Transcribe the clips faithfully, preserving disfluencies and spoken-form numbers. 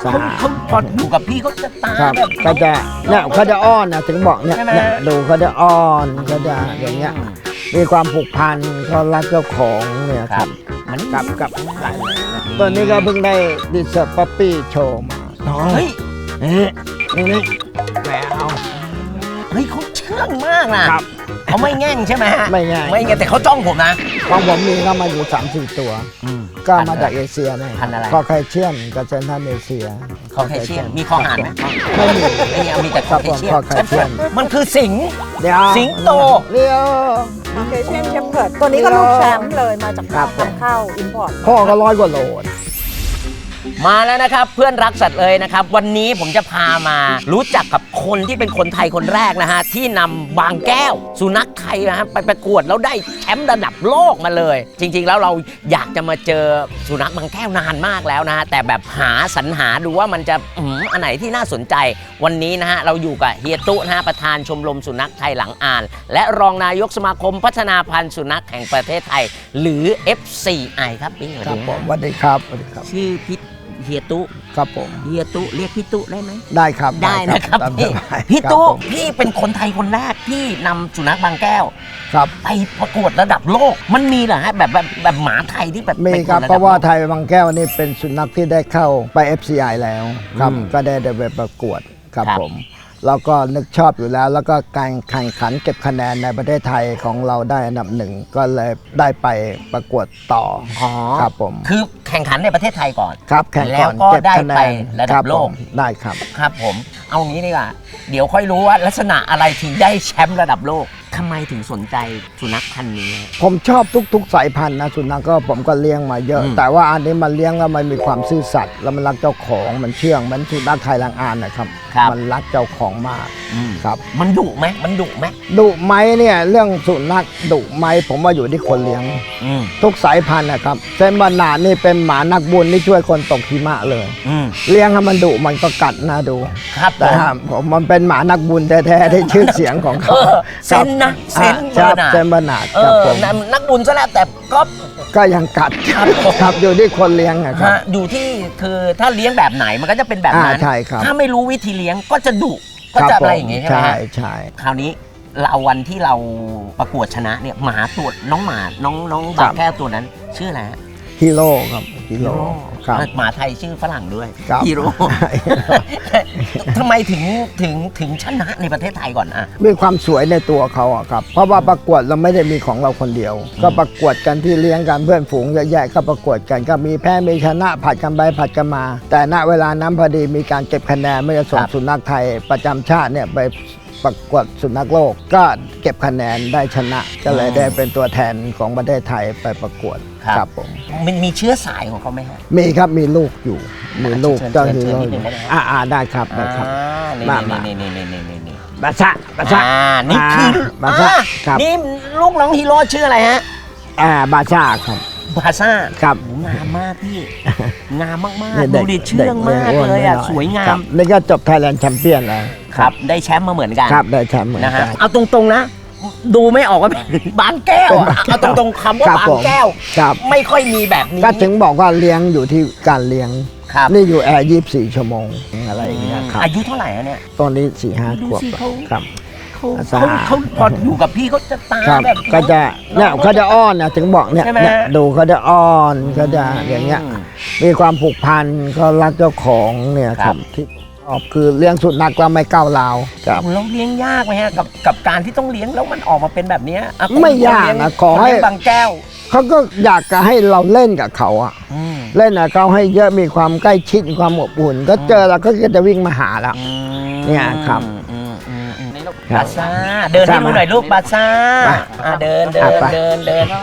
เขาเขาพออยู่กับพี่เขาจะตาแบบก็จะเนี่ยเขาจะอ้อนนะถึงบอกเนี่ยดูเขาจะอ้อนเขาจะอย่างเงี้ยมีความผูกพันเขารักเจ้าของเนี่ยครับมันกับกับตัวนี้ก็เพิ่งได้ดิสป๊อปปี้โชว์มาเฮ้ยนี่นี่แหววเฮ้ยเขาเชื่องมากนะเขาไม่แง่งใช่ไหมฮะไม่แง่งไม่แง่งแต่เขาจ้องผมนะของผมมีก็มาอยู่สามสี่ตัวก็มาจากเอเชียนะคอไคเชียนกับเซนทรัลเอเชียคอไคเชียนมีคอหานไหมไม่มีไม่มีมีแต่คอไคเชียนมันคือสิงสิงโตเรียวคอไคเชียนเชมเพิร์ดตัวนี้ก็ลูกแชมป์เลยมาจากการนำเข้าอินพอร์ตพ่อก็ร้อยกว่าโลมาแล้วนะครับเพื่อนรักสัตว์เลยนะครับวันนี้ผมจะพามารู้จักกับคนที่เป็นคนไทยคนแรกนะฮะที่นำบางแก้วสุนัขไทยนะฮะไปประกวดแล้วได้แชมป์ระดับโลกมาเลยจริงๆแล้วเราอยากจะมาเจอสุนัขบางแก้วนานมากแล้วนะฮะแต่แบบหาสรรหาดูว่ามันจะอืมอันไหนที่น่าสนใจวันนี้นะฮะเราอยู่กับเฮียตุนะฮะประธานชมรมสุนัขไทยหลังอ่านและรองนายกสมาคมพัฒนาพันธุ์สุนัขแห่งประเทศไทยหรือ เอฟ ซี ไอ ครับพี่สวัสดีครับสวัสดีครับสวัสดีครับชื่อพิเฮียตุครับผมเฮียตุเรียกพี่ตุได้ไหมได้ครับได้นะครับพี่พี่ตุพี่เป็นคนไทยคนแรกที่นำสุนัขบางแก้วครับไปประกวดระดับโลกมันมีเหรอฮะแบบแบบแบบหมาไทยที่แบบมีครับเพราะว่าไทยบางแก้วนี่เป็นสุนัขที่ได้เข้าไป เอฟ ซี ไอ แล้วครับก็ได้ได้ไปประกวดครับผมแล้วก็นึกชอบอยู่แล้วแล้วก็การแข่งขันเก็บคะแนนในประเทศไทยของเราได้อันดับหนึ่งก็เลยได้ไปประกวดต่อครับผมคือแข่งขันในประเทศไทยก่อนครับแข่งแล้วก็ได้ไประดับโลกได้ครับครับผมเอางี้ดีกว่าเดี๋ยวค่อยรู้ว่าลักษณะอะไรถึงได้แชมป์ระดับโลกทำไมถึงสนใจสุนัขพันธุ์นี้ผมชอบทุกๆสายพันธุ์นะสุนัขก็ผมก็เลี้ยงมาเยอะแต่ว่าอันนี้มันเลี้ยงแล้วมันมีความซื่อสัตย์แล้วมันรักเจ้าของมันเชื่องมันสุนัขไทยลังอานนะครับมันรักเจ้าของมากครับมันดุไหมมันดุไหมดุไหมเนี่ยเรื่องสุนัขดุไหมผมว่าอยู่ที่คนเลี้ยงทุกสายพันธุ์นะครับเซนบานานี่เป็นหมานักบุญที่ช่วยคนตกหิมะเลยเลี้ยงให้มันดุมันก็กัดนะดูครับแต่ผมมันเป็นหมานักบุญแท้ๆที่ชื่อเสียงของเขาเซนนะเซนเซนบานาครับผมนักบุญซะแล้วแต่ก็ก็ยังกัดครับอยู่ที่คนเลี้ยงนะครับอยู่ที่คือถ้าเลี้ยงแบบไหนมันก็จะเป็นแบบนั้นใช่ครับถ้าไม่รู้วิธีเลี้ยงก็จะดุก็จะอะไรอย่างงี้ใช่ไหมใช่ใช่คราวนี้เราวันที่เราประกวดชนะเนี่ยหมาตัวน้องหมาน้องน้องบางแก้วตัวนั้นชื่ออะไรฮีโร่ครับฮีโร่ครับหมาไทยชื่อฝรั่งด้วยฮีโร่ทำไมถึงถึงถึงชนะในประเทศไทยก่อนอ่ะมีความสวยในตัวเขาอ่ะครับเพราะว่าประกวดเราไม่ได้มีของเราคนเดียวก็ประกวดกันที่เลี้ยงกันเพื่อนฝูงเยอะแยะก็ประกวดกันก็มีแพ้มีชนะผัดกันไปผัดกันมาแต่ณเวลานั้นพอดีมีการเก็บคะแนนไม่จะส่งสุนัขไทยประจำชาติเนี่ยไปประกวดสุนัขโลกก็เก็บคะแนนได้ชนะก็เลยได้เป็นตัวแทนของประเทศไทยไปประกวดครับผมมันมีเชื้อสายของเขาไหมครับมีครับมีลูกอยู่มีลูกเจ้าฮีโร่อ่าอ่าได้ครับได้ครับมามานี่นี่นี่นี่นี่นี่บาซาบาซาอ่านี่คือบาซานี่ลูกน้องฮีโร่ชื่ออะไรฮะอ่าบาซาครับบาซ่าครับงามมากพี่งามมากๆดูดิเชื่องมากเลยอ่ะสวยงามนี่ก็จบไทยแลนด์แชมเปี้ยนแล้วครับได้แชมป์มาเหมือนกันครับได้แชมป์เหมือนกันเอาตรงๆนะดูไม่ออกว่าบางแก้วเอาตรงๆคำว่าบางแก้วไม่ค่อยมีแบบนี้ก็ถึงบอกว่าเลี้ยงอยู่ที่การเลี้ยงนี่อยู่แอร์ยี่สิบสี่ชั่วโมงอะไรอย่างเงี้ยครับอายุเท่าไหร่เนี่ยตอนนี้สี่ห้าขวบครับเขาเขาพออยู่กับพี่เขาจะตาแบบก็จะเนี่ยเขาจะอ้อนนะถึงบอกเนี่ยดูเขาจะอ้อนเขาจะอย่างเงี้ยมีความผูกพันเขารักเจ้าของเนี่ยครับที่ออกคือเลี้ยงสุนัขเราไม่ก้าวร้าวครับเราเลี้ยงยากไหมฮะกับกับการที่ต้องเลี้ยงแล้วมันออกมาเป็นแบบนี้ไม่ยากนะขอให้บางแก้วเขาก็อยากจะให้เราเล่นกับเขาอะเล่นกับเขาให้เยอะมีความใกล้ชิดความอบอุ่นก็เจอเราก็จะวิ่งมาหาแล้วเนี่ยครับบาซ่าเดินให้ดูหน่อยลูกบาซ่าเดินเดินเดินเดิน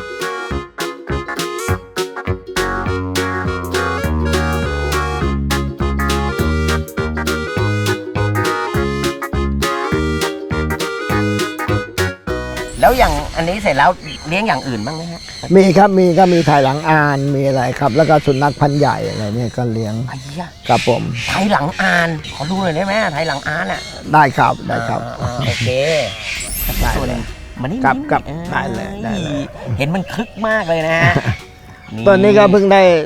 แล้วอย่างอันนี้เสร็จแล้วเลี้ยงอย่างอื่นบ้างไหมฮะมีครับมีก็มีไทยหลังอานมีอะไรครับแล้วก็สุนัขพันธุ์ใหญ่อะไรเนี่ยก็เลี้ยงครับผมไทยหลังอานขอดูหน่อยได้ไหมไทยหลังอานอ่ะได้ครับได้ครับโอเคส่วนมันนี่กับกับได้เลยได้เลยเห็นมันคึกมากเลยนะฮะตัวนี้ก็เพิ่งได้ด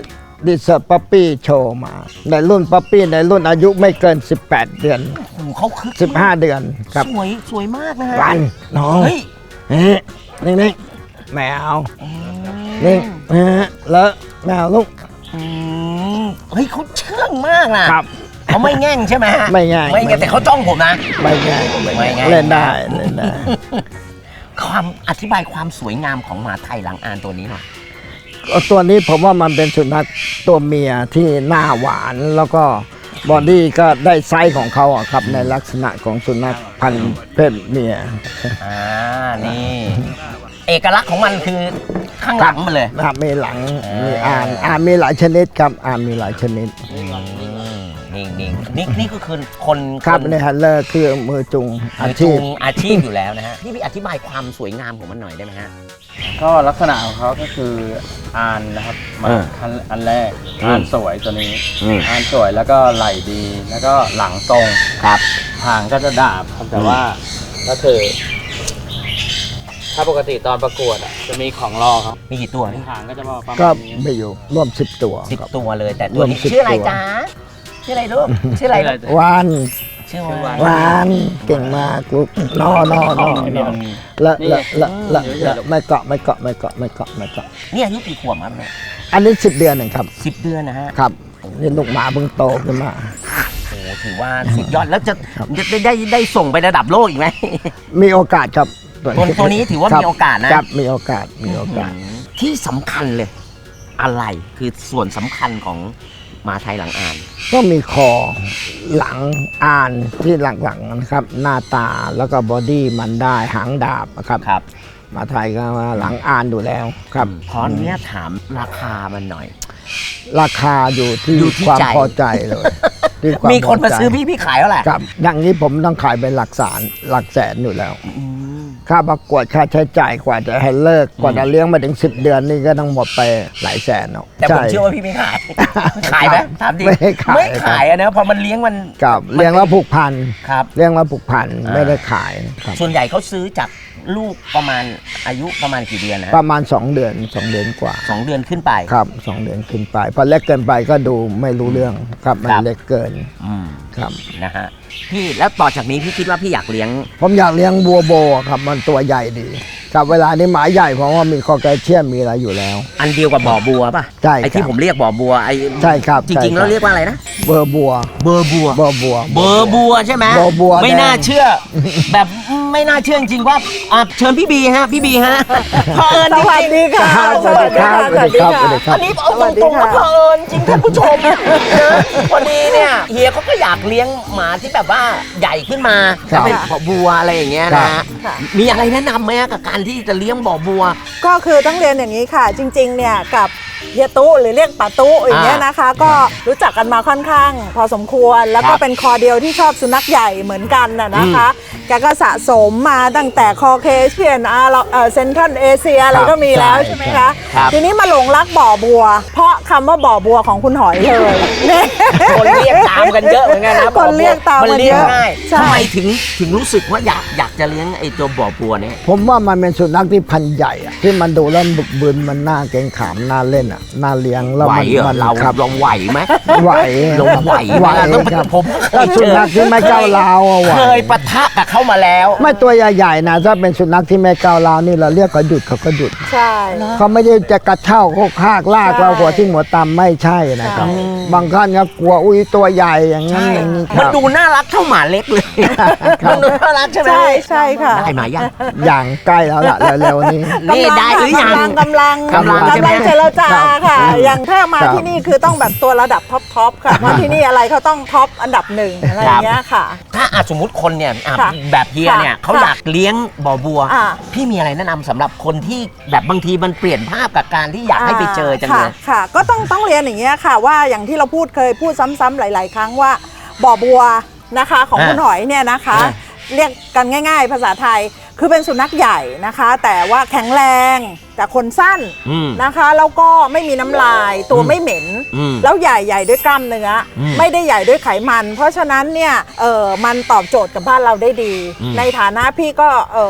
ดิเซอร์ปั๊ปปี้โชว์มา ในรุ่นปั๊ปปี้ในรุ่นอายุไม่เกิน สิบแปด เดือนโอ้โหเขาคึกสิบห้า เดือนครับสวยสวยมากนะฮะรันน้องเฮ้ยนี่นี่นี่แมวนี่เออแล้วแมวลูกอืมเฮ้ยเขาเชื่องมากนะครับ เขาไม่แง่งใช่ไหมฮะไม่แง่งไม่แง่งแต่เขาจ้องผมนะไม่แง่ไม่แง่เล่นได้เล่นได้ความอธิบายความสวยงามของหมาไทยหลังอานตัวนี้หน่อยตัวนี้ผมว่ามันเป็นสุนัขตัวเมียที่หน้าหวานแล้วก็บอดี้ก็ได้ไซส์ของเขาอะครับในลักษณะของสุนัขพันธุ์เพศเมียอ่า นี่ เอกลักษณ์ของมันคือข้างหลังมันเลยอ่ามีหลังมีอ่านอ่านมีหลายชนิดครับอ่านมีหลายชนิดอืมนี่นี่นี่นี่ก็คือคนครับนในฮันเลอร์คือมือจุงอาจูชีพงอาชีพอยู่แล้วนะฮะ พี่พี่อธิบายความสวยงามของมันหน่อยได้ไหมฮะก็ลักษณะของเขาก็คืออานนะครับมาเอออันอันแรกอืมอานสวยตัวนี้อืมอานสวยแล้วก็ไหล่ดี แล้วก็หลังตรงครับหางก็จะดาบครับแต่ว่าก็คือ ถ้าปกติตอนประกวดอะจะมีของรอครับมีกี่ตัวพี่หางก็จะประมาณก็นี้ไม่อยู่ร่วมสิบตัวสิบครับตัวเลย แต่ตัวนี้รวมสิบชื่ออะไรตัวจ๊ะชื่ออะไรลูก ชื่ออะไรลูกวานชื่อชื่อว่าว่าวานเก่งมากลูกนอนอนอนอละละละละละไม่เกาะไม่เกาะไม่เกาะไม่เกาะไม่เกาะเนี่ยอายุกี่ขวบครับเนี่ยอันนี้สิบเดือนเองครับสิบเดือนนะฮะครับนี่ลูกหมาเพิ่งโตขึ้นมาโอ้โหถือว่าสุดยอดแล้วจะจะได้ได้ได้ส่งไประดับโลกอีกไหมมีโอกาสครับตัวตัวนี้ถือว่ามีโอกาสนะครับมีโอกาสมีโอกาสที่สำคัญเลย อะไรคือส่วนสำคัญของหมาไทยหลังอ่านก็มีคอหลังอ่านที่หลังๆนะครับ หน้าตาแล้วก็บอดี้มันได้หางดาบนะครับครับหมาไทยก็ว่าหลังอ่านอยู่แล้วครับขออนุญาตถามราคามันหน่อยราคาอยู่ที่อยู่ที่ความใจพอใจเลยที่วมีคนมาพใจซื้อพี่พี่ขายเท่าไหร่ครับอย่างนี้ผมต้องขายเป็นหลักแสนหลักแสนอยู่แล้วอืมค่าประกวดค่าใช้จ่ายกว่าจะให้เลิกกว่าจะเลี้ยงมาถึงสิบเดือนนี่ก็ต้องหมดไปหลายแสนเนาะแต่ผมใเชื่อว่าพี่ไม่ขาย ขายไหมถามจริงไม่ขายไม่ขายอะนะพอมันเลี้ยงมันกับเลี้ยงแล้วผูกพันครับเลี้ยงแล้วผูกพันอ่าไม่ได้ขายครับส่วนใหญ่เขาซื้อจากลูกประมาณอายุประมาณกี่เดือนนะประมาณสองเดือนสองเดือนกว่าสองเดือนขึ้นไปครับสองเดือนขึ้นไปพอเล็กเกินไปก็ดูไม่รู้เรื่องครับมันครับเล็กเกินอืมครับนะฮะพี่แล้วต่อจากนี้พี่คิดว่าพี่อยากเลี้ยงผมอยากเลี้ยงบัวโบครับมันตัวใหญ่ดีครับเวลานี้หมาใหญ่เพราะว่ามีคอแคลเซียมมีอะไรอยู่แล้วอันเดียวกับบ่อบัวป่ะใช่ครับไอ้ที่ผมเรียกบ่อบัวไอ้ใช่ครับจริงๆใช่ครับแล้วเรียกว่าอะไรนะเบอร์บัวเบอร์บัวเบอร์บัวเบอร์บัวใช่ไหมเบอร์บัวไม่แดงน่าเชื่อ แบบไม่น่าเชื่อจริงๆว่าอ่ะเชิญพี่บีฮะพี่บีฮะเผอิญสจริงๆวัสดีค่ะสวัสดีครับสวัสดีครับสวัสดีครับอันนี้เอาตรงๆว่าเผอิญจริงท่านผู้ชมนะพอดีเนี่ยเฮียเขาก็อยากเลี้ยงหมาที่แบบว่าใหญ่ขึ้นมาครับเป็นบ่อบัวอะไรอย่างเงี้ยครันะบค่ะมีอะไรแนะนำไหมฮะกับการที่จะเลี้ยงบ่อบัวก็คือต้องเรียนอย่างนี้ค่ะ จริงๆเนี่ยกับเฮียตุหรือเรียกป๋าตุอย่างเงี้ยนะคะ ก็รู้จักกันมาค่อนข้าง พอสมควรแล้วก็ครับเป็นคอเดียวที่ชอบสุนัขใหญ่เหมือนกันน่ะนะคะแกก็สะสมมาตั้งแต่คอเคเชียนอาร์เซนทรัลเอเชียอะไรก็มีแล้วใช่ใช่ไหมคะครับทีนี้มาหลงรักบ่อบัว เพราะคำว่าบ่อบัวของคุณหอยเลยเนี่ยคนเรียกตามกันเยอะเหมือนกันนะคนเรียกตามมันกันเรียกเยอะง่ายใช่ทำไมถึงถึงรู้สึกว่าอยากอยากจะเลี้ยงไอ้ตัวบ่อบัวเนี่ยผมว่ามันเป็นสุนัขที่พันธุ์ใหญ่อะที่มันดูแล้วบึกบึนมันน่าเกรงขามน่าเล่นอ่ะน่าเลี้ยงแล้วไหวมันเหรอมันเราครับลองไหวไหมไหวเราไหวไหวไหมต้องครับผมถ้าสุนัขที่ไม่ก้าวร้าวอะไหวเคยปะทะกับเขามาแล้วไม่ตัวใหญ่ๆนะถ้าเป็นสุนัขที่ไม่ก้าวร้าวนี่เราเรียกเขาหยุดเขาก็หยุดใช่เขาไม่ได้จะกระเช่าโคกคากลากใช่เราหัวที่หัวตำไม่ใช่นะครับใช่บางท่านก็กลัวอุ้ยตัวใหญ่อย่างนั้นใช่อย่างนี้คมันรับดูน่ารักเท่าหมาเล็กเลย มันดูน่ารักใช่ไหมใช่ใช่ค่ะได้มายังอย่างใกล้แล้วล่ะเร็วๆนี้นี่ได้หรือยังกำลังกำลังกำลังใช่ไหมเจรจาค่ะครับอย่างถ้ามาครับที่นี่คือต้องแบบตัวระดับท็อปทอปค่ะเพราะที่นี่อะไรเขาต้องท็อปอันดับหนึ่งอะไรอย่างเงี้ยค่ะถ้าอาสมมติคนเนี่ยอ่ะค่ะแบบเฮียเนี่ยค่ะเขาอยากเลี้ยงบ่อบัวอ่าพี่มีอะไรแนะนำสำหรับคนที่แบบบางทีมันเปลี่ยนภาพกับการที่อยากให้ไปเจอจังเลยค่ะค่ะ ก็ต้องต้องเรียนอย่างเงี้ยค่ะว่าอย่างที่เราพูดเคยพูดซ้ำๆหลาย ๆ ครั้งว่าบ่อบัวนะคะของอ่าคุณหอยเนี่ยนะคะอ่าเรียกกันง่าย ๆ ภาษาไทยคือเป็นสุนัขใหญ่นะคะ แต่ว่าแข็งแรงแต่คนสั้นอืมนะคะแล้วก็ไม่มีน้ำลายตัวไม่เหม็นอืมแล้วใหญ่ใหญ่ด้วยกล้ามเนื้ออมไม่ได้ใหญ่ด้วยไขมัน เพราะฉะนั้นเนี่ยเออมันตอบโจทย์กับบ้านเราได้ดีอืมในฐานะพี่ก็เออ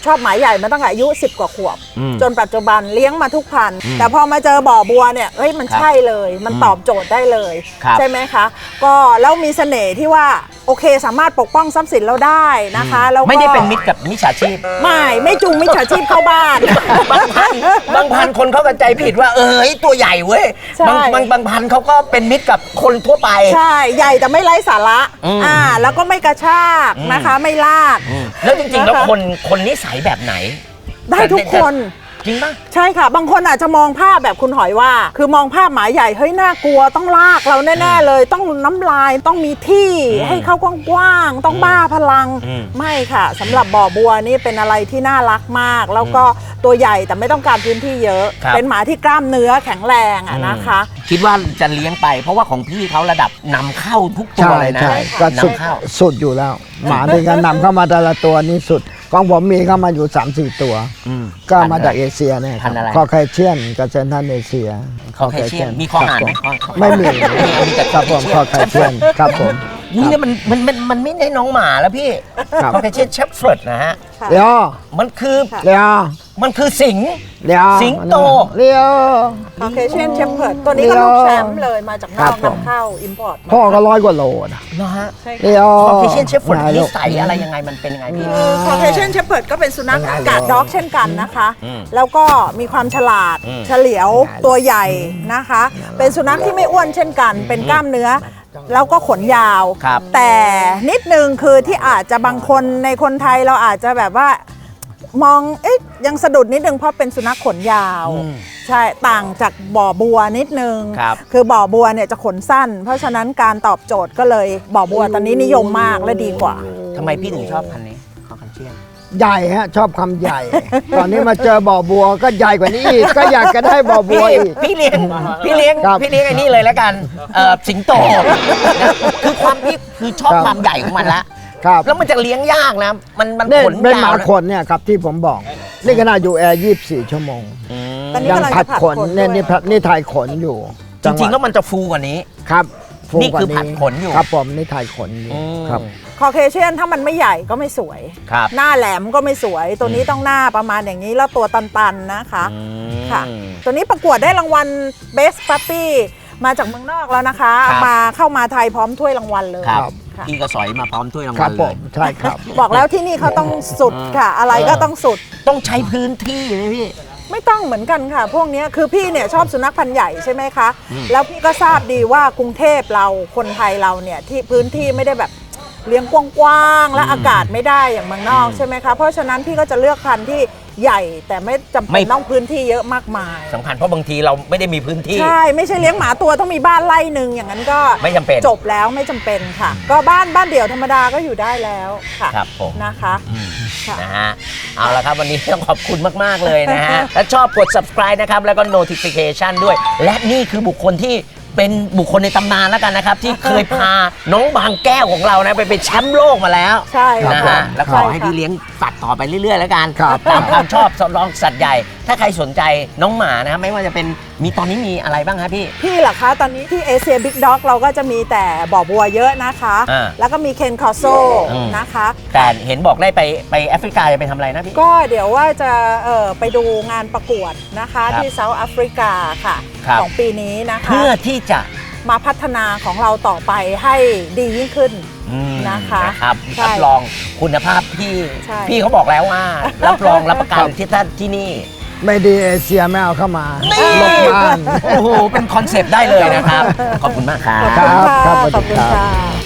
ชอบหมาใหญ่มาตั้งแต่อายุสิบกว่าขวบอืมจนปัจจุบันเลี้ยงมาทุกพันธุ์อืมแต่พอมาเจอบ่อบัวเนี่ยเฮ้ยมันครับใช่เลยมันอืมตอบโจทย์ได้เลยครับใช่ไหมคะก็แล้วมีเสน่ห์ที่ว่าโอเคสามารถปกป้องทรัพย์สินเราได้นะคะแล้วก็ไม่ได้เป็นมิตรกับมิจฉาชีพไม่ไม่จูงมิจฉาชีพเข้าบ้านบางพันบางพันคนเขาเข้าใจผิดว่าเออเฮ้ยตัวใหญ่เว้ยใช่บางบางบางพันเขาก็เป็นมิตรกับคนทั่วไปใช่ใหญ่แต่ไม่ไร้สาระอืมอ่าแล้วก็ไม่กระชากอืมนะคะไม่ลากอืมแล้วจริงๆแล้วนะคะคนคนนิสัยแบบไหนได้ทุกคนจริงปะใช่ค่ะ บางคนอาจจะมองภาพแบบคุณหอยว่า คือมองภาพหมาใหญ่เฮ้ยน่ากลัวต้องลากเราแน่ๆเลย ต้องน้ำลายต้องมีที่อืมให้เขากว้างๆต้องบ้าพลังอืมไม่ค่ะสำหรับบ่อบัวนี่เป็นอะไรที่น่ารักมาก แล้วก็ตัวใหญ่แต่ไม่ต้องการพื้นที่เยอะครับเป็นหมาที่กล้ามเนื้อแข็งแรงอะนะคะคิดว่าจะเลี้ยงไป เพราะว่าของพี่เขาระดับนำเข้าทุกตัวใช่เลยนะใช่ก็สุดนำเข้าสุดอยู่แล้ว หมาที่เขานำเข้ามาแต่ละตัวนี่สุดของผมมีเข้ามาอยู่ สามสี่ ตัวอืมก็มาจากเอเชียเนี่ยคพัรันธุ์อะไรคอไคเชียนกับเซนทรัลเอเชียคอเคเชียนมีคอหานไหมครับคอผมไม่มีมีแต่ครับผมคอไคเชียนครับผมนี่เนี่ยมันมันมันมันไม่ได้น้องหมาแล้วพี่ครับคอเคเชียนเชฟเฟิร์ดนะฮะค่ะเลี้ยวมันคือค่ะเลี้ยวมันคือสิงห์เลี้ยวสิงโตเลี้ยวคาเคเชียนเชฟเพิร์ดตัวนี้ก็ลูกแชมป์เลยมาจากนครัอบ กผมนำเข้าอิมพอร์ตพ่อก็ร้อยกว่าโลนะนะฮะใช่เลี้ค่ะยวคอเคเชียนเชฟเฟิร์ดไหนิลูกสัยอะไรยังไงมันเป็นยังไงพี่คาเคเชียนเชฟเพิร์ดก็เป็นสุนัขกาดด็อกเช่นกันนะคะอืมแล้วก็มีความฉลาดอืมเฉลียวตัวใหญ่นะคะ เป็นสุนัขที่ไม่อ้วนเช่นกัน เป็นกล้ามเนื้อ แล้วก็ขนยาวครับแต่นิดนึงคือที่อาจจะบางคนในคนไทยเราอาจจะแบบว่า มองเอ๊ะยังสะดุดนิดนึงเพราะเป็นสุนัขขนยาวอืมใช่ต่างจากบ่อบัวนิดนึงครับคือบ่อบัวเนี่ยจะขนสั้น เพราะฉะนั้นการตอบโจทย์ก็เลยบ่อบัวตอนนี้นิยมมากและดีกว่าทำไมพี่ถึงชอบพันธุ์นี้คอเคเชียนใหญ่ฮะชอบคำใหญ่ ตอนนี้มาเจอบ่อบัวก็ใหญ่กว่านี้อีกก็อยากจะได้บ่อบัพี่วอีกพี่เลี้ยงพี่เลี้ยงครับพี่เลี้ยงไอ้นี่เลยแล้วกันเอ่อสิงโตนะคือความพี่คือชอบครับความใหญ่ของมันละครับแล้วมันจะเลี้ยงยากนะ มันมันเนี่ยขนเป็นหยามาวนะขนเนี่ยครับที่ผมบอก นี่ขนาดอยู่แอร์ยี่สิบสี่ชั่วโมงอืมตอนนี้ยังกำลังผัดจะผัดขนขนเนี่ยด้วยนี่ผัดนี่ถ่ายขนอยู่จริงๆ แล้วจัหะมันจะฟูกว่านี้ครับฟูนี่คือว่าผัดขนอยู่ครับผมนี่ถ่ายขนอยู่อืมครับคอเคเชียนถ้ามันไม่ใหญ่ก็ไม่สวยครับหน้าแหลมก็ไม่สวย ตัวนี้ต้องหน้าประมาณอย่างนี้แล้วตัวตันๆนะคะอืมค่ะ ตัวนี้ประกวดได้รางวัล Best Puppy มาจากเมืองนอกแล้วนะคะครับมาเข้ามาไทยพร้อมถ้วยรางวัลเลยครับค่ะพี่ก็สอยมาพร้อมถ้วยรางครัวับลผเลยมใช่ครับบอกแล้วที่นี่เขาต้องสุดค่ะ อะไรก็ต้องสุดต้องใช้พื้นที่ไหมพี่ไม่ต้องเหมือนกันค่ะ พวกเนี้ยคือพี่เนี่ยชอบสุนัขพันธุ์ใหญ่ใช่ไหมคะอืมแล้วพี่ก็ทราบดีว่ากรุงเทพเราคนไทยเราเนี่ยที่พื้นที่ไม่ได้แบบเลี้ยงกว้างๆและอากาศไม่ได้อย่างเมืองนอกใช่ไหมคะ เพราะฉะนั้นพี่ก็จะเลือกพันธุ์ที่ใหญ่แต่ไม่จำไม่เป็นต้องพื้นที่เยอะมากมายสำคัญเพราะบางทีเราไม่ได้มีพื้นที่ใช่ไม่ใช่เลี้ยงหมาตัวต้องมีบ้านไร่หนึ่งอย่างนั้นก็ไม่จำเป็นจบแล้วไม่จำเป็นค่ะ ก็บ้านบ้านเดี่ยวธรรมดาก็อยู่ได้แล้วค่ะครับผมนะคะอืมค่ะนะฮะ เอาละครับวันนี้ต้องขอบคุณมาก ๆ เลยนะฮะ ถ้าชอบกด subscribe นะครับ แล้วก็ notification ด้วย และนี่คือบุคคลที่เป็นบุคคลในตำนานแล้วกันนะครับ ที่เคยพาน้องบางแก้วของเรานะ ไปเป็นแชมป์โลกมาแล้วใช่ค่ะนะฮะ แล้วขอให้ช่ค่ะพี่เลี้ยงตัดต่อไปเรื่อย ๆ แล้วกันครับตามความชอบสำรองสัตว์ใหญ่ ถ้าใครสนใจน้องหมานะไม่ว่าจะเป็นมีตอนนี้มีอะไรบ้างครับพี่พี่เหรอคะ ตอนนี้ที่เอเชียบิ๊กด็อกเราก็จะมีแต่บ่อบัวเยอะนะคะอ่าแล้วก็มีเคนคอโซอืมนะคะแต่เห็นบอกได้ไปไปแอฟริกาจะไปทำอะไรนะพี่ก็เดี๋ยวว่าจะเอ่อไปดูงานประกวดนะคะครับที่เซาท์แอฟริกาค่ะครับของปีนี้นะคะเพื่อที่จะมาพัฒนาของเราต่อไปให้ดียิ่งขึ้นอืมนะคะนะครับใช่รับรองคุณภาพที่ใช่พี่เขาบอกแล้วว่า รับรองรับประกันที่ท่านที่นี่ไม่ดีเอเชียไม่เอาเข้ามาลบบ้านโอ้โห เป็นคอนเซปต์ได้เลยนะครับ ขอบคุณมากครับขอบคุณค่ะครับขอบคุณสวัสดีครับค่ะ